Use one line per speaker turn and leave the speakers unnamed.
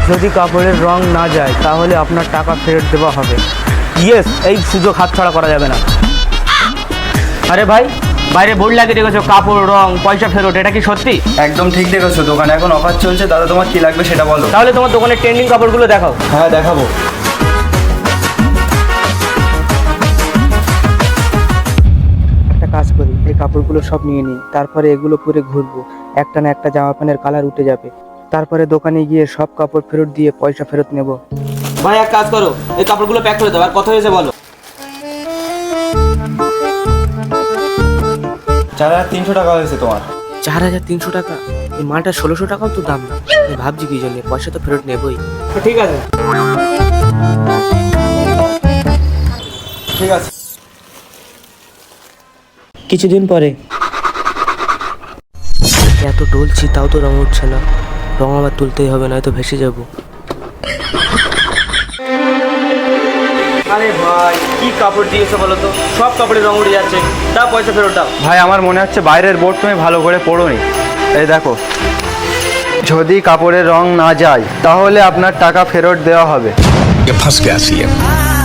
যদি কাপড়ের রং না যায় তাহলে আপনার টাকা ফেরত দেওয়া হবে। ইয়েস, এই সুযোগ হাতছাড়া করা যাবে না। আরে ভাই, বাইরে বোর্ড লাগিয়ে রেখেছো কাপড় রং পয়সা ফেরত, এটা কি সত্যি?
একদম ঠিক দেখেছো, দোকানে এখন অফার চলছে। দাদা তোমার কি লাগবে সেটা বলো।
তাহলে তোমার দোকানের ট্রেন্ডিং কাপড়গুলো দেখাও।
হ্যাঁ দেখাবো।
একটা কাজ করি, এই কাপড়গুলো সব নিয়ে নিই, তারপরে এগুলো পরে ঘুরবো। একটা না একটা জামা প্যান্টের কালার উঠে যাবে, তারপরে দোকানে গিয়ে সব কাপড় ফেরত দিয়ে পয়সা ফেরত নেব। ভাই এক কাজ করো, এই কাপড়গুলো প্যাক করে দাও। আর কত হয়েছে বলো?
4300 টাকা হয়েছে তোমার।
4300 টাকা? এই মালটা 1600 টাকাও তো দাম না। আমি ভাবছি কি জন্য, পয়সা তো ফেরত নেবই। ঠিক আছে
ঠিক আছে।
কিছুদিন পরে এত ডলছি তাও তো রং উঠছে না। রং আবার তুলতেই হবে, নয়তো ভেসে যাব। আরে ভাই, কি কাপড় দিয়েছো বলো তো? সব কাপড়ে রং উঠে যাচ্ছে। দাও পয়সা ফেরত দাও।
ভাই আমার মনে হচ্ছে বাইরের বোর্ড তুমি ভালো করে পড়োনি। এই দেখো, যদি কাপড়ের রং না যায় তাহলে আপনার টাকা ফেরত দেওয়া হবে।
ये फंस गया सीएम।